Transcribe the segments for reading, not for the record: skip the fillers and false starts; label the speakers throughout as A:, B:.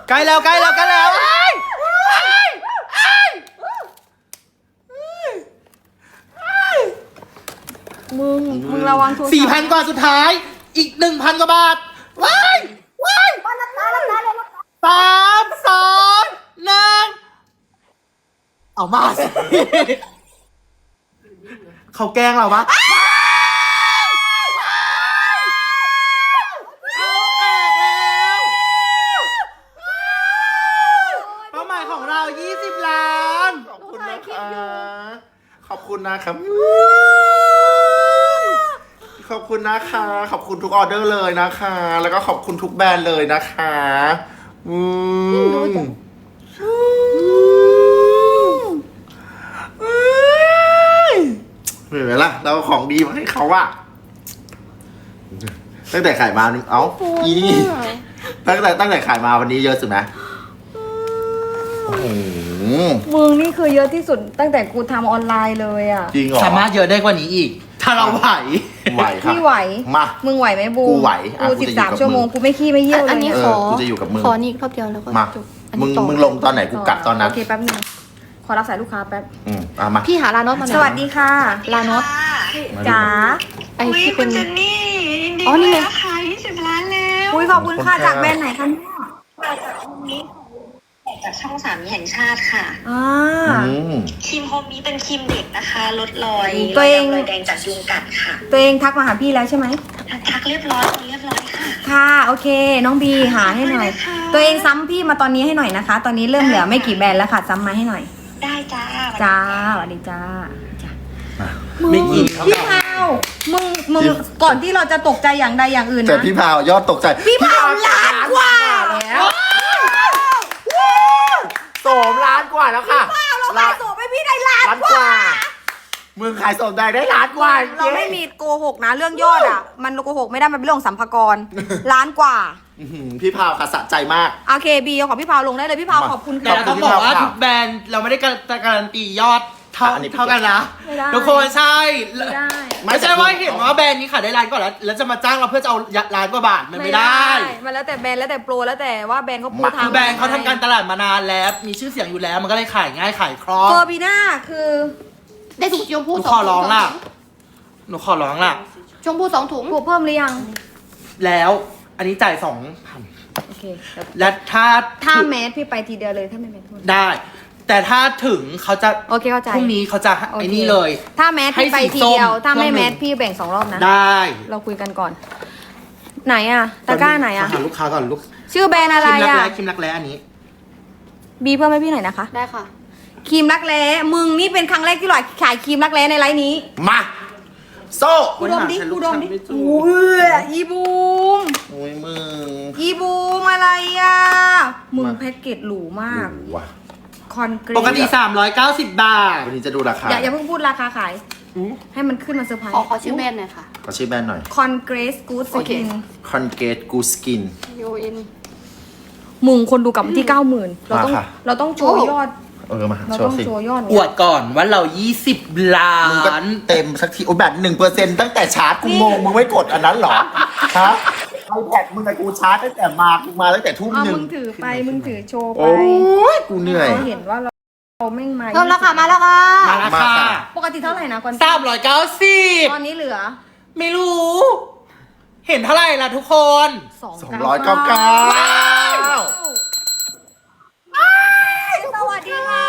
A: ใกล้แล้วใกล้แล้วใกล้แล้ว
B: มึงระวังโทรศัพท์
A: 4,000 กว่าสุดท้ายอีก 1,000 กว่าบาทว้าย3 2 1เอามาสิเขาแกล้งเราปะเป้าหมายของเรา20 ล้าน
C: ขอบคุณนะคะขอบคุณนะครับขอบคุณนะคะขอบคุณทุกออเดอร์เลยนะคะ แล้วก็ขอบคุณทุกแบรนด์เลยนะคะเห็นไหมล่ะเราของดีมาให้เขาอะตั้งแต่ขายมาเอ้าอีนี่ตั้งแต่ขายมาวันนี้เยอะสุดไหมโอ้โห
B: มึงนี่คือเยอะที่สุดตั้งแต่กูทำออนไลน์เลยอ่ะ
C: จริงเหรอ
A: สามารถเยอะได้กว่านี้อีก ถ้าเราไหว
C: ไหวค่ะ
B: พี่ไหว
C: มา
B: มึงไหวไหมบู
C: กูไหวอ่ะ
B: กู
C: กูจะอยู่กับ
B: 13 ชั่วโมง
C: มึง
B: กูไม่ขี้ไม่เยี่ยวเลย
D: อันนี้
C: เออ
D: ขอ
C: กูจะอยู่กับมึง
D: ขอนี่รอบเดียวแล้วก็
C: มา
D: จบอัน
C: มึ
D: นี้
C: ง
D: ต่อ
C: มึงลงตอนไหนกูกลับตอนนั้น
B: โอเคแป๊บนึงขอรับสายลูกค้าแป๊บ
C: มา
D: พี่หาลานอตมาหน่
B: ส
D: อย
B: วัสดีค่ะ
D: ลานอต
B: จ๋า
D: ไอ้
E: อุ๊ย
D: ที่
E: คุ
D: เป็น
E: ณเจนนี่ยินดี
D: อ๋อนี่
E: ด้วย
D: ไง
E: นะคะ20 ล้านแล้ว
B: อุ้ยขอบคุณค่ะจากแบรนด์ไหนคะเนี่ย
E: มาจากโฮมนี้จากช่องสามีแห่งชาติค่ะ
B: อ่า
E: ครีมโฮมนี้เป็นครีมเด็กนะคะ ลดรอย
B: ตัวเอง
E: รอยแดงจากยุงกัดค่ะ
B: ตัวเองทักมาหาพี่แล้วใช่ไหม
E: ทักเรียบร้อยค่ะ
B: ค่ะโอเค น้องบีหาให้หน่อย
E: ขอบคุณนะคะ
B: ตัวเองซ้ำพี่มาตอนนี้ให้หน่อยนะคะ ตอนนี้เริ่มเหลือไม่กี่แบรนด์แล้วค่ะซ้ำมาให้หน่อย
E: ได้จ้า
B: จ้าสวัสดีจ้าจ้า
A: ไม่กิน
B: พี่พาวมึงก่อนที่เราจะตกใจอย่างใดอย่างอื่น
C: แต่
B: นะ
C: พี่พาวยอดตกใจ
B: พี่พาวล้านกว่า
C: แล้วโสมล้านกว่าแล้วค่ะ
B: เราขายส่งให้พี่ได้ล้าน
C: ล้าน
B: ก
C: ก
B: ว่า
C: ว่ามึงขายโสมได้ล้านกว่า
B: เราไม่มีโกหกนะเรื่องยอดอ่ะ มันโกหกไม่ได้มันเป็นเรื่องของสัมภากรล้านกว่า
C: พี่พาวค่ะสะใจมาก
B: โอเคบีเอาของพี่พาวลงได้เลยพี่พาว
C: มา
B: ขอบคุณ
A: แต่
B: ค่ะ
A: เราต้องบอกว่าทุกแบรนด์เราไม่ได้การันตียอดเท่า
C: อันนี้
A: เท่ากันนะ
B: ไม่ได้
A: ทุกคนใช่
B: ไม่ได้
A: ไม่ใช่ว่าเห็นว่าแบรนด์นี้ขายได้ล้านกว่าแล้วจะมาจ้างเราเพื่อจะเอาล้านกว่าบาทมันไม่ได้
B: มันแล้วแต่แบรนด์แล้วแต่โปรแล้วแต่ว่าแบรนด์เขาปู
C: มา
B: ทาง
A: คือแบรนด์เขาทำการตลาดมานานแล้วมีชื่อเสียงอยู่แล้วมันก็เลยขายง่ายขายคล่อง
B: เฟอร์บีน่าคือ
D: ได้ถุงชม
A: ห
D: พู
A: นู
D: สอง
A: ขอร้องล่ะหนูขอร้องล่ะ
D: ชมพู2 ถุง
B: บวกเพิ่มหรือยัง
A: แล้วอันนี้จ่าย2,000
B: โอเค
A: และถ้า
B: ถ้าแมสพี่ไปทีเดียวเลยถ้าไม่แมสทุน
A: ได้ แต่ถ้าถึงเขาจะ
B: โอเคเข้าใจ
A: พรุ่งนี้เขาจะ
B: โอเค
A: ไอ้นี่เลย
B: ถ้าแมสพี่ไปทีเดียว
A: ให้สีส้ม
B: ถ้าไม่
A: เครื่องหนึ่
B: แม
A: ง
B: สพี่แบ่ง2 รอบนะ
A: ได้
B: เราคุยกันก่อน ไหนอะตะกร้าไหนอะ
A: หาลูกค้าก่อนลูก
B: ชื่อแบรนด์อะไร
A: คิมรัก
B: อะ
A: แร้คิมรักแร้อันนี้
B: บีเพิ่มให้พี่หน่อยนะคะ
D: ได้ค่ะ
B: ครีมรักแร้มึงนี่เป็นครั้งแรกที่หลอยขายครีมรักแร้ในไลน์นี้
C: มาโซ่
B: กูดมดิกูดมดิ
A: ไม่จู
B: อุ้ยอีบูม
C: โอ้ยมึง
B: อีบูมอะไรอะมึง
C: มา
B: แพ็กเกจหรูมาก
C: ดูว่ะ
B: คอนกรีต
A: ปกติ390 บาท
C: วันนี้จะดูราคา
B: อย่าเพิ่งพูดราคาขาย ให้มันขึ้นมาเซอร์ไพรส์
D: ขอชื่อแบรนด์หน่อยค่ะ
C: ขอชื่อแบรนด์หน่อย
B: คอนเกรสกูดส
D: โอเค
B: กิน
C: Colgate Good Skin
D: UN
B: มึงคนดูกลับมาที่ 90,000เราต้อง
C: มาค่ะ
B: เราต้องโชว์ยอด
C: มา
B: เรา
C: โช
B: ต้อ
C: ว์
B: ง
C: สิ
B: โชว์ยอด
A: อวดก่อนว่าเรา 20 ล้า
C: มึงก็
A: น
C: เต็มสักทีโอ้แบบ1%ตั้งแต่ชาร์จกูงงมึงไม่กดอันนั้นเหรอฮะไอแพดมึงกับกูชาร์จตั้งแต่กูมาตั้งแต่ทุ่ม
B: เอา
C: หนึ่
B: มึ
C: ง
B: งถือไปมึงถือโชว์ไป
C: โอ้ยกูเหนื่อย
B: เขาเห็นว่าเราแม่งมา
D: เริ่มแล้วค่ะมาแล้วค่ะ
A: มาแล้ว
C: มา
A: ค่ะ
C: ค่ะ
B: ปกติเท่าไหร่นะก่อนต
A: 390
B: อนนี้เหลือ
A: ไม่รู้ เห็นเท่าไหร่ล่ะทุกคน
C: 299
B: สวัสดีค่ะ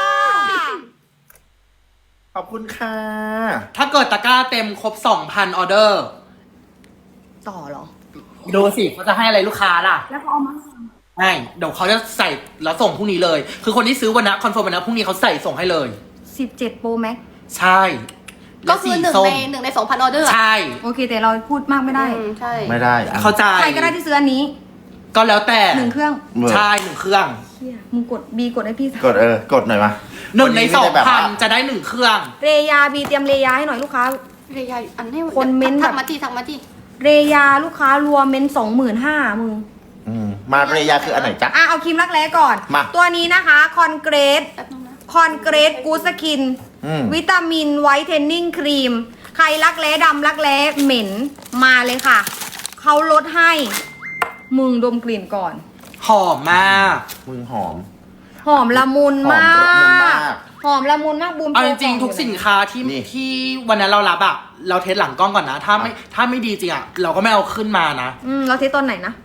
C: ขอบคุณค่ะ
A: ถ้าเกิดตะกร้าเต็มครบ 2,000 ออเดอร์
B: ต่อเหรอ
A: ดูสิเขาจะให้อะไรลูกค้าล่ะ
B: แล้วเขาเอามา
A: ใช่เดี๋ยวเขาจะใส่แล้วส่งพรุ่งนี้เลย คือคนที่ซื้อวันนะคอนเฟิร์มวันนะพรุ่งนี้เขาใส่ส่งให้เลย
B: 17 Pro Max
A: ใช่
D: ก็คือหนึ่ง
A: และสี
D: ใน
A: ส้ม
D: 1 ใน 2,000 ออเดอร์
A: ใช่
B: โอเคแต่เราพูดมากไม่ได้
D: ใช่
C: ไม่ได้
A: เข้าใจ
B: ใครก็ได้ที่ซื้ออันนี้
A: ก็แล้วแต่
B: 1 เครื่อง
A: ใช่1 เครื่อง
B: เฮียมึงกดบีกดให้พี่
C: กดกดหน่อยมา
A: 1 ใน
C: วัไม่ได้แบบว่า
A: 2,000 จะได้ 1 เครื่อง
B: เรยาบีเตรียมเรยาให้หน่อยลูกค้า
D: เรียอันนี้
B: คนเม้นต์แบบ
D: ทักมาที่
B: เรยาลูกค้ารวมเป็น25,000มึง
C: มาเรยาคืออันไหนจ๊ะ
B: เอาครีมรักแร้ก่อน
C: มา
B: ตัวนี้นะคะคอนเกรส
D: แป๊บนึงนะ
B: คอนเกรสกูสกิน วิตามินไวท์เทนนิ่งครีม ใครรักแร้ดำรักแร้เหม็นมาเลยค่ะ เขาลดให้ มึงดมกลิ่นก่อน
A: หอมมาก
C: มึงหอม
B: หอมละมุนมา
C: หอมละมุนมาก ก
B: หอมละมุนมากบูม
A: เอาจริงๆทุกสินค้าที่
C: นี่
A: ที่วันนั้นเรารับอะเราเทสหลังกล้องก่อนนะ ถ้าไม่ดีจริงอะเราก็ไม่เอาขึ้นมานะ
B: เราเทสตอนไหนนะ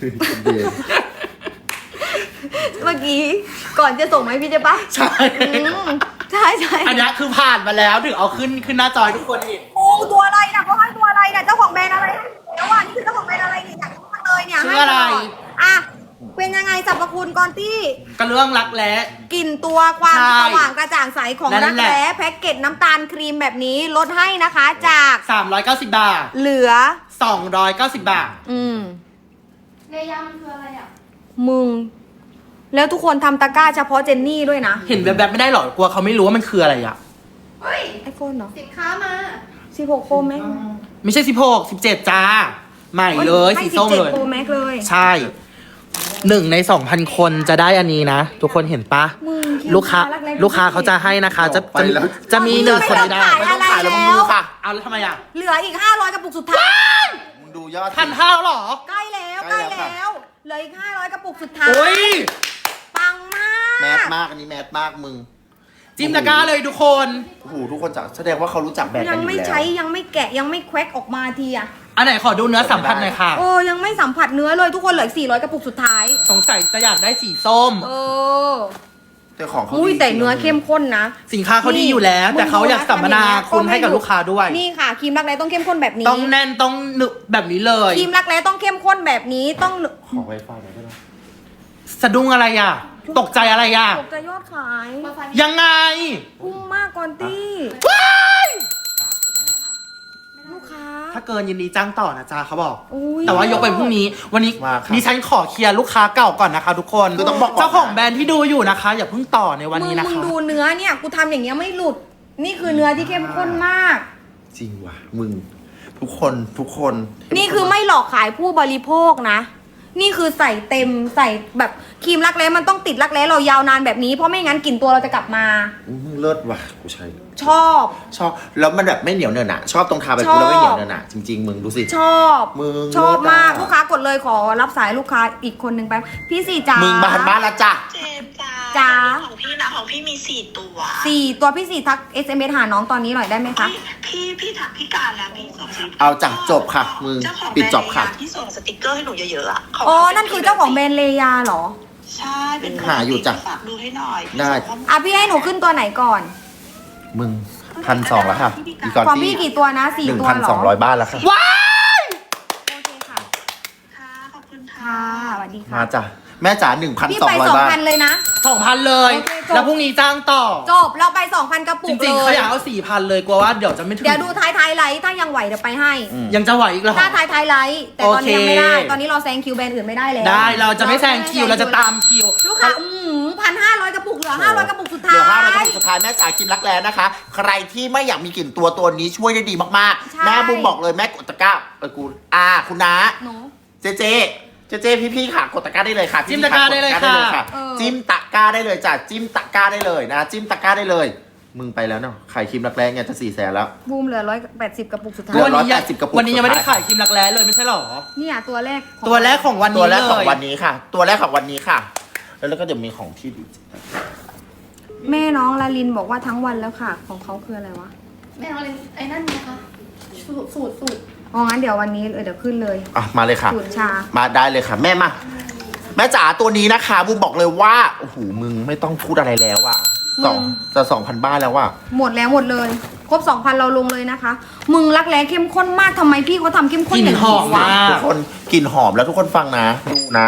B: เมื่อกี้ก่อนจะส่งไหมพี่เจ๊ปะ
A: ใช่
B: ใช่ใช่
A: อันนี้คือผ่านมาแล้วถึงเอาขึ้นหน้าจอให้ทุกคนเห็น
B: โอ้ตัวอะไรนะเขาให้ตัวอะไรนะเจ้าของแบรนด์อะไรเดี๋ยวว่านี่คือเจ้าของแบรนด์อะไรเนี่ยอยากรู้มาเลยเนี่ย
A: ชื่ออะไร
B: ให้ตลดอ่ะเป็นยังไงสรรพคุณก่อนที่
A: กระเรื่องรักแร้
B: กลิ่นตัวความ
A: ใช่
B: สว่างกระจ่างใสของ
A: นั่
B: รั
A: น
B: ก
A: แหละ
B: แร้แพ็กเกจน้ำตาลครีมแบบนี้ลดให้นะคะจาก
A: 390 บาท
B: เหลือ
A: 290 บาท
D: เลยามันคืออะไรอ่ะ
B: มึง แล้วทุกคนทำตะกร้าเฉพาะเจนนี่ด้วยนะ
A: เห็นแบบไม่ได้หรอกลัวเขาไม่รู้ว่ามันคืออะไรอะ
D: เฮ้ย
B: ไอโฟนเนาะ
D: สินค้ามา
B: 16 Pro Max
A: ไม่ใช่16 17 จ้า ใหม่เลยสีส้มเลย
B: 17 Pro Max เลย
A: ใช่1 ใน 2,000 คนจะได้อันนี้นะ ทุกคนเห็นปะ
B: มึงคิด
A: ลูกค้า
B: รักแร้
A: ลูกค้าเขาจะให้นะคะจะ
C: ไปแล้ว
A: จะมีหนึ่งคนที่ได้
B: ไม่ต้องขาย
C: ไม่ต้องขายแล้วมึงดูค่ะ
A: เอาแล้วทำไมอะ
B: เหลืออีก 500 กระปุกสุดท้าย
C: มึงดูยอด
A: 1,500หรอ
B: ใกล้แล้ว
C: ใก
B: ใก
C: ล้
B: ล้
C: แล้วค่ะ
B: แล้ว เหลืออีก 500 กระปุกสุดท้าย
A: โอ้ย
B: ปังมาก
C: แมสมากอันนี้แมสมากมึง
A: จิ้มตะกร้าเลยทุกคน
C: โอ้โหทุกคนจะแสดงว่าเขารู้จักแบรนด์
B: ยั
C: กัน
B: ง
C: อยู่
B: ไม่
C: แล้ว
B: ใช้ยังไม่แกะยังไม่แควกออกมาทีอะ
A: อันไหนขอดูเนื้อสัมผัสหน่อยค่ะ
B: โอ้ยังไม่สัมผัสเนื้อเลยทุกคนเหลืออีก400 กระปุกสุดท้าย
A: สงสัยจะอยากได้สีส้ม
B: เออ
C: แต่ของเขา
B: อุ้ย
C: ดี
B: แต่เนื้อ
C: จริง
B: เข้มข้นนะ
A: สินค้าเขาดีอยู่แล้ว แต่เขาอยากสัมมนาคุณให้กับลูกค้าด้วย
B: นี่ค่ะครีมรักแร้ต้องเข้มข้นแบบนี้
A: ต้องแน่นต้องหนึบแบบนี้เลย
B: ครีมรักแร้ต้องเข้มข้นแบบนี้ต้อง
C: ขอไวไฟหน่อยได้ไหม
A: สะดุ้งอะไรอ่ะ ตกใจอะไรอ่ะ
B: ตกใจยอดขาย
D: มาฟัน
A: ยังไง
B: พุ่งมากก่อนตี้ลูกค้า
A: ถ้าเกินยินดีจ้างต่อนะจ๊ะเขาบอก
B: อุ๊ย
A: แต่ว่ายกไปพรุ่งนี้ วันนี้
C: มาครับ
A: ดิฉันขอเคลียร์ลูกค้าเก่าก่อนนะคะทุกคน
C: คือต้องบอกก่อนนะ
A: เจ้าของแบรนด์ที่ดูอยู่นะคะ อย่าเพิ่งต่อในวันนี้นะ
B: มึง
A: คะ
B: ดูเนื้อเนี่ยกูทำอย่างเงี้ยไม่หลุด นี่คือเนื้อที่เข้มข้นมาก
C: จริงว่ะมึงทุกคน
B: นี่คือไม่หลอกขายผู้บริโภคนะ นี่คือใส่เต็มใส่แบบครีมรักแร้มันต้องติดรักแร้เรายาวนานแบบนี้เพราะไม่งั้นกลิ่นตัวเราจะกลับมา
C: มึงเลิศว่ะกูใช้
B: ชอบ
C: ชอบแล้วมันแบบไม่เหนียวเนินอะชอบตรงทาไป
B: ชอบ
C: กูแล้วไม่เหนียวเนินอะจริงๆมึงดูสิ
B: ชอบ
C: มึง
B: ชอบมาก
C: เลิศอะ
B: ลูกค้ากดเลยขอรับสายลูกค้าอีกคนหนึ่งไป พี่สี่จ้า
C: มึ
B: มึ
C: งบ้านละจ้ะ
E: เจ็บจ้า
B: จ้า
E: ของพี่นะของพี่มี4 ตัว
B: 4 ตัวพี่สี่ทัก SMS หาน้องตอนนี้หน่อยได้ไหมคะ
E: พี่ถักพี่การแล้วพี่ส่งสติกกร์
C: เอาจ้ะจบค่ะมึง
E: เจ้าของ
C: ปิดจบค่ะ
E: แบรนด์ที่ส่งสติกเกอร์ให้หนูเยอะๆอะเขา
B: อ๋อ นั่นคือเจ้าของแบรนด์เลยาเหรอ
E: ใช่เป็น
C: หาอยู่จ้ะ
E: ฝากดูให้หน่อย
C: ได้
B: อ่ะพี่ให้หนูขึ้นตัวไหนก่อน
C: มึง1,200แล้วค่ะอีกก่อน
B: ของ
C: ที่
B: พี่กี่ตัวนะ 4 ตัวเหรอ
C: 1,200 บ้านแล้วค่ะ
A: ว้าย
B: โอเคค่ะ
E: ค่ะขอบคุณค่ะ
B: ค่ะสวัสดีค่ะ
C: มาจ้ะแม่จ๋า
B: พี่ไป
C: 1,200 บ้าน
B: 2,000 เลยนะ
A: 2,000 เลย
B: โอเคจบ
A: แล้วพรุ่งนี้จ้างต่อ
B: จบ เราไป 2,000 กระปุ
A: จ
B: ก
A: ริงๆ
B: เล
A: เขา
B: ย
A: อยากเอา 4,000 เลยกลัวว่าเดี๋ยวจะไม่ถึง
B: เดี๋ยวดูท้ายไลท์ถ้ายังไหวเดี๋ยวไปให้
A: ยังจะไหวอีกเหรอ
B: ถ้าท้ายไลท์แต่ตอนนี้ยังไม่ได้
A: โอเค
B: ตอนนี้เราแซงคิวแบรนด์อื่นไม่ได้แล้ว
A: ได้เราจะไม่แซงคิวเราจะตามคิว
B: ลูกค้า1,500 กระปุกเหลือ500 กระปุกสุด
C: เหลื
B: ท้า
C: อย 500 กระปุกสุดท้ายแม่จ๋าครีมรักแร้นะคะ ใครที่ไม่อยากมีกลิ่นตัวนี้ช่วยได้ดีมาก
B: ใช่
C: ๆ แม่บุ้มบอกเลยแม่กดตะกร้ากูคุณน้า
B: หนู
C: เจพี่ค่ะกดตะกร้าได้เลยค่ะ
A: จิ้มตะกร้าได้เลยค่ะ
C: จิ้มตะกร้าได้เลยจ้ะจิ้มตะกร้าได้เลยนะจิ้มตะกร้าได้เลย มึงไปแล้วเนาะขายครีมรักแร้ไงจะ400,000แล้ว
B: บูมเหลือ180 กระปุกสุดท้า
C: เหลื
B: ย
C: อ
A: วันนี้
C: 180 กระปุก
A: วันนี้ยังไม่ได้
C: สุดท้าย
A: ขายครีมรักแร้เลยไม่ใช่หรอ
B: เนี่ยตัวแรก
A: ตัวแรกของวัน
C: ตั
A: นี้
C: วแรก
A: เล
C: ของ
A: ย
C: วันนี้ค่ะ ตัวแรกของวันนี้ค่ะ แล้วก็เดี๋ยวมีของที่ดี
B: แม่น้องลาลินบอกว่าทั้งวันแล้วค่ะ ของเขาคืออะไรวะ
D: แม่เอาอะไรไอ้นั่นไงคะสูตร
B: อ๋องั้นเดี๋ยววันนี้เดี๋ยวขึ้นเลย
C: อ่ะมาเลยค่ะ
B: สูตรชา
C: มาได้เลยค่ะ แม่มาแม่จ๋าตัวนี้นะคะบุ้มบอกเลยว่าโอ้โหมึงไม่ต้องพูดอะไรแล้วอ่ะจะ 2,000 บ้านแล้วว่ะ
B: หมดแล้วหมดเลย ครบ 2,000 เราลงเลยนะคะ มึงรักแร้เข้มข้นมากทำไมพี่เขาทำเข้มข้น
A: กลิ่น
B: อย่าง
A: หอ
B: นี้
A: ม
B: วะ
A: มาก
C: ทุกคนกลิ่นหอมแล้วทุกคนฟังนะดูนะ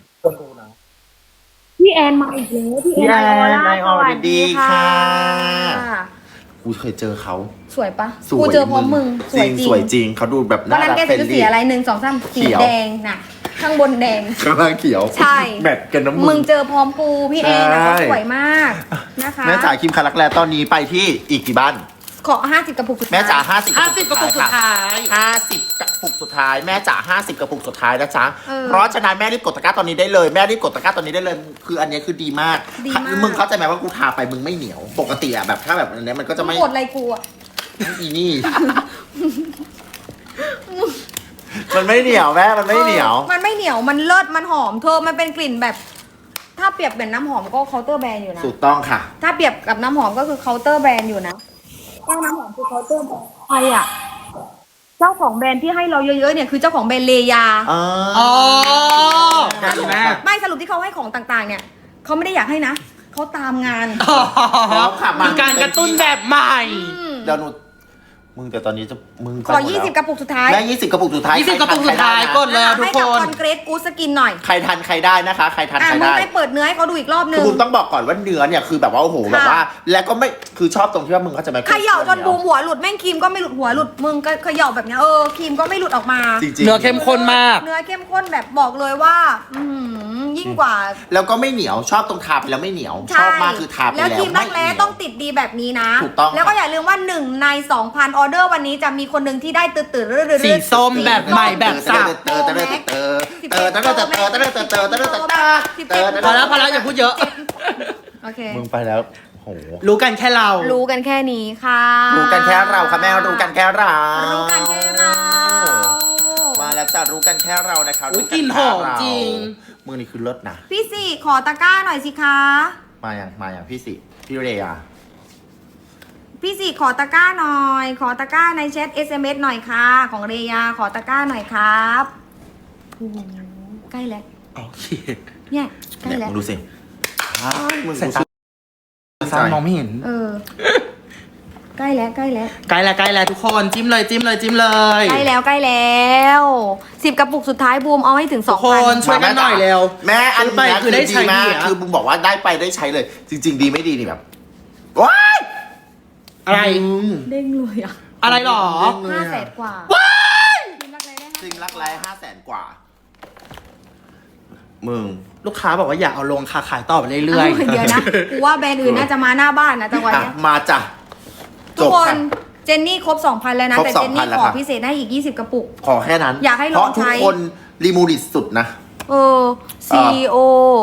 B: พี่แอนมาอีกแล้วพี่แอน
C: ไอออลดีค่ะ
B: ค่ะ
C: กูเคยเจอเขา
B: สวยปะ
C: สวย
B: กูเจอพร้อมมึงสวยจริง
C: สวยจริงเขาดูแบบ
B: วัน
C: น่า
B: นั้น
C: รัก
B: แก
C: เฟรน
B: ซื้อสี
C: ลี่
B: อะไร1 2 3สี
C: เขียว
B: แดงน่ะ ข้างบนแดง
C: ข้างล่างเขียว
B: ใช่
C: แมทกันน้ำ
B: มึงเจอพร้อมกูพี่แอนนะ
C: ใช่
B: เขาสวยมากนะคะ
C: แม่จ๋าครีมคารักแร้ตอนนี้ไปที่อีกกี่บ้าน
B: ขอ50 กระปุกสุดท้าย
C: แม่จ๋า50
A: 50 กระปุกสุดท้าย
C: 50 กระปุกสุดท้ายแม่จ๋า50 กระปุกสุดท้ายนะจ๊ะ
B: เออ
C: เพราะฉะนั้นแม่รีบกดตะกร้าตอนนี้ได้เลยแม่รีบกดตะกร้าตอนนี้ได้เลยคืออันนี้คือดีมาก
B: ดีมาก
C: มึงเข้าใจไหมว่ากูทาไปมึงไม่เหนียว ปกติอะแบบถ้าแบบอันเนี้ยมันก็จะไม่
B: กดอะไรกูอะ
C: อีนี่มันไม่เหนียวแม่มันไม่เหนียว
B: มันไม่เหนียวมันเลิศมันหอมเธอมันเป็นกลิ่นแบบ ถ้าเปรียบเป็นน้ำหอมก็เคาน์เตอร์แบรนด์อยู่นะ
C: ถูกต้องค่ะ
B: ถ้าเปรียบกับน้ำหอมก็คือเคาน์เตอร์แบรนด์อยู่นะเจ้าน้ำหอมคือเคาน์เตอร์แบรนด์ใครอ่ะเจ้าของแบรนด์ที่ให้เราเยอะๆเนี่ยคือเจ้าของแบรนด์เลยา
A: อ๋อนั่นแม่
B: ไม่สรุปที่เขาให้ของต่างๆ เนี่ยเขาไม่ได้อยากให้นะเขาตามงาน
C: แล้วค่ะมา
A: คือการกระตุ้นแบบใหม่
C: เดี๋ยวหนูมึงแต่ตอนนี้จะมึง
B: ขอ 20 กระปุกสุดท้าย
C: แม่20 กระปุกสุดท้าย
A: 20 กระปุกสุดท้ายกดเลยทุก
B: ให้
A: ค
B: กับ
A: น
B: คอนเกรสกูสกินหน่อย
C: ใครทันใครได้นะคะ ใครทันใคร
B: มึง
C: ได้
B: ไม่เปิดเนื้อให้เขาดูอีกรอบนึ
C: คือง บูมต้องบอกก่อนว่าเนื้อเนี่ยคือแบบว่าโอ้โหแบบว่า แล้วก็ไม่คือชอบตรงที่ว่ามึงเขาจะไม่
B: เขย่าจนบูมหัวหลุดแม่งครีมก็ไม่หลุดหัวหลุดมึงก็เขย่าแบบเนี้ยครีมก็ไม่หลุดออกมา
C: จริงๆ
A: เนื้อเข้มข้นมาก
B: เนื้อเข้มข้นแบบบอกเลยว่า ยิ่งกว่า
C: แล้วก็ไม่เหนียวชอบตรงทาไปแล้วไม่เหนียว ชอบมากคือทาไป
B: แล้ว
C: แล้ว
B: ครีมรักแร้
C: ไม่เหนียว
B: ต้องติดดีแบบนี้นะ
C: ถูกต้อง
B: แล้วก็อย่าลืมว่า1ใน 2,000 ออเดอร์วันนี้จะมีคนหนึ่งที่ได้ตื่นๆ
A: สีส้มแบบใหม่แบบสับ พอแล้วอย่าพูดเยอะ
B: โอเค
C: มึงไปแล้วโห
A: รู้กันแค่เรา
B: รู้กันแค่นี้ค่ะ
C: รู้กันแค่เราค่ะแม่รู้กันแค่เรา
B: รู้กันแค่เรา
C: มาแล้วจ้ะรู้กันแค่เรานะคะ
A: อุ๊ย
C: รู้
A: กลิ่นหอมจริง
C: มือนี่คือเลิศนะ
B: พี่สี่ขอตะกร้าหน่อยสิคะ
C: มาอย่างพี่สิพี่เรีย
B: พี่สี่ขอตะกร้าหน่อย ขอตะกร้าในแชท SMS หน่อยค่ะ ของเรยาขอตะกร้าหน่อยครับโอ้โหใกล้แล้ว
A: โอเค
B: เนี่ยใกล้
C: เนี่ย
B: แล้ว
C: มึงดูสิมึง
A: สายตาซ้ายมองไม่เห็น
B: ใกล้แล้วใกล้แล้ว
A: ใกล้แล้วทุกคนจิ้มเลย
B: ใกล้แล้ว10 กระปุกสุดท้ายบูมเอาให้ถึง
A: ทุกคน
B: 2,000
A: ช่วยกันหน่อยเร็ว
C: แม่อัน
A: ซื้อไป
C: นี้
A: คือได้ใช้
C: มาก
A: ดีอะ
C: คือมึงบอกว่าได้ไปได้ใช้เลย จริง ๆ ดีไม่ดีนี่แบบว้าย
A: อะไร
B: เด้งเลยอ่ะ
A: อะไรหรอ
B: 500,000 กว่า
C: จริงรักแร้500,000 กว่า มึง
A: ลูกค้าบอกว่าอยากเอาลงขายต่อไปเรื่อย
B: เดี๋ยวนะกูว่าแบรนด์อื่นน่าจะมาหน้าบ้านนะจังหวะ
C: อ่ะ
B: เนี้ย
C: มาจ้ะ
B: ทุ
C: จ
B: ก
C: บ
B: คน
C: ค่ะ
B: เจนนี่ครบ 2,000 แล้วนะ
C: ครบ
B: แต่เจนนี่
C: 2,000แล้ว
B: ขอ
C: ครับ
B: พิเศษได้อีก 20 กระปุก
C: ขอแค่นั้น
B: อยากให้ลอง
C: เพราะทุก
B: ใช้
C: คนรีมูดิสุดนะ
B: CEO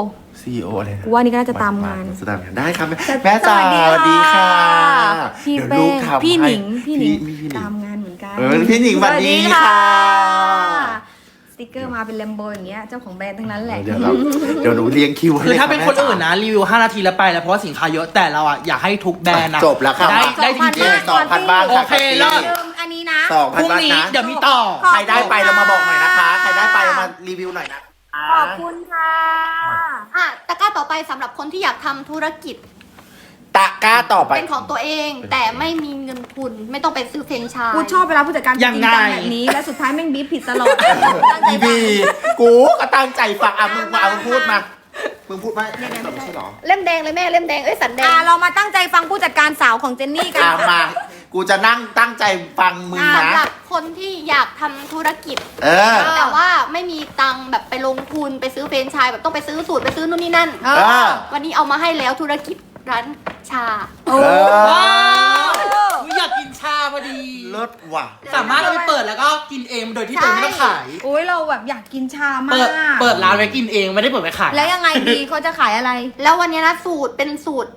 C: CEO อะไรนะ
B: กูว่านี่ก็น่าจะตามงาน
C: จะตามงานได้ครับแม่จ๋า
B: สวัสดีค่ะ พี่
C: เดี๋ยว
B: เป้
C: ลูกทำ
B: พี่หนิง
C: ให้
B: พี่หนิง
C: พี่หนิง
B: ตามงานเหมือนกัน
C: พี่หนิงสวัสดีค่ะ
B: สติกเกอร์มาเป็นแลมโบอย่างเงี้ยเจ้าของแบรนด์ทั้งนั้นแหละ
C: เดี๋ยวหนูเรียงคิวให้
A: ๆ คือถ้าเป็น
C: ลย
A: คน
C: แม่จ๋
A: อื่นนะรีวิว5 นาทีแล้วไปแล้วเพราะว่าสินค้าเยอะแต่เราอะอยากให้ทุกแบรนด์อะ
C: จบแล้วค่ะ
A: ได้จริง
C: 2,000 บ้าน
A: โอเคเลิศ
B: ลืมอันนี้นะ
A: ๆพรุ่งนี้เดี๋ยวมีต่อ
C: ใครได้ไปเรามาบอกหน่อยนะคะ ใครได้ไปเรามารีวิวหน่อยนะ
B: ขอบคุณค่ะ
D: ตะกร้าต่อไปสำหรับคนที่อยากทำธุรกิจ
C: ตะกร้าต่อไป
D: เป็นของตัวเอง แต่ไม่มีเงินทุนไม่ต้องไปซื้อเฟรนไชส์
B: กูชอบเวลาผู้จัดการจ
A: ยัง
B: ริง
A: ไง
B: จังแบบนี้ แล้วสุดท้ายแม่งบีบผิดตลอดตั้งใจ
C: อี
B: ฟั
C: บี
B: ง
C: กูก็ตั้งใจฟังอ่ะมึงมามึงพูดมามึงพูดมาไม่ใช่หรอ
D: เล่มแดงเลยแม่เล่มแดงสันแดง
B: เรามาตั้งใจฟังผู้จัดการสาวของเจนนี่กัน
C: มา กูจะนั่งตั้งใจฟังมึงนะ
D: สำหรับคนที่อยากทำธุรกิจ
C: เออ
D: แต่ว่าไม่มีตังค์แบบไปลงทุนไปซื้อเฟรนไชส์แบบต้องไปซื้อสูตรไปซื้อนู่นนี่นั่น
B: เอ
C: เออ
D: วันนี้เอามาให้แล้วธุรกิจร้านชา
B: โอ้
A: ว้าวอยากกินชาพอดี
C: เลิศว่ะ
A: สามารถเอาไปเปิดแล้วก็กินเองโดยที่ตัวเองไม่ต้องขาย
B: โอ้ยเราแบบอยากกินชามาก
A: เปิดร้านไว้กินเองไม่ได้เปิดไว้ขาย
B: แล้วยังไงดีเขาจะขายอะไร
D: แล้ววันนี้นะสูตรเป็นสูตร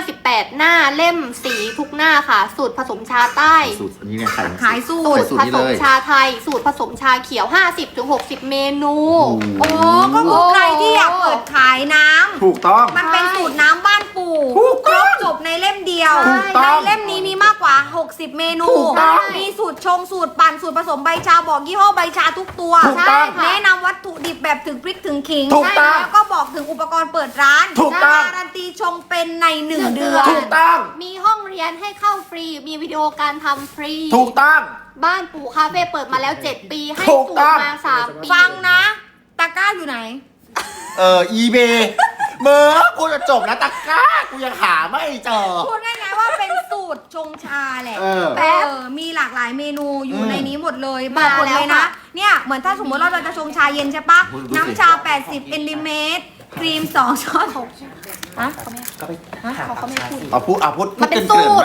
D: 58 หน้าเล่มสีทุกหน้าค่ะ สูตรผสมชาใต้
C: สูตรอันนี้เนี่ยขาย
B: ขายสู
D: สู
B: ต
D: ต
B: ร
D: ร
C: สูตร
D: ผ
C: นี้
D: ส
C: เล
D: ม
C: ย
D: ชาไทย สูตรผสมชาเขียว 50-60 เมนู
B: โอ้ก็คือใครที่อยากเปิดขายน้ำ
C: ถูกต้อง
B: มันเป็นสูตรน้ำบ้านปู่
C: ถูก
B: คร
C: ต้อง
B: บจบในเล่มเดียว
C: ถูกต้
B: ใน
C: อง
B: เล่มนี้มีมากกว่า 60 เมนู
C: ถูกต้อง
B: มีสูตรชงสูตรปั่นสูตรผสมใบชาบอกยี่ห้อใบชาทุกตัว
C: ถูกต้อง
B: แนะนำวัตถุดิบแบบถึงพริกถึงขิง
C: ถูกต้อง
B: แล้วก็บอกถึงอุปกรณ์เปิดร้าน
C: ถูกต้อง
B: การันตีชงเป็นใน1 เดือน
C: ถูกต้อง
D: มีห้องเรียนให้เข้าฟรี มีวิดีโอการทำฟรี
C: ถูกต้อง
D: บ้านปู่คาเฟ่เปิดมาแล้ว 7 ปี ให้
C: ถูก
D: สู
C: ต้
D: ต
C: อง
D: รมา 3 ปี
B: ฟังนะ ตะกร้าอยู่ไหน
C: อีเบเมื่อกูจะจบแล้วตะกร้า กูยังหาไม่เจอ
B: พูดง่ายๆว่าเป็นสูตรชงชาแหละ
C: เออ
B: มีหลากหลายเมนูอยู่
C: อืม
B: ในนี้หมดเลย
D: มา
B: บอกหมดเลย
D: แล้ว
B: นะ
D: ค่ะ
B: เนี่ยเหมือนถ้าสมมติเราจะชงชาเย็นใช่ปะ
C: ดูสิ
B: น้ำชา 80 มิลลิเมตร ครีม 2 ช้อนฮะ
A: ก็ไปหา
D: เขาไม่พูด
C: เอาพูด
D: มันเป็น
C: เกริ่นๆ
D: สูตร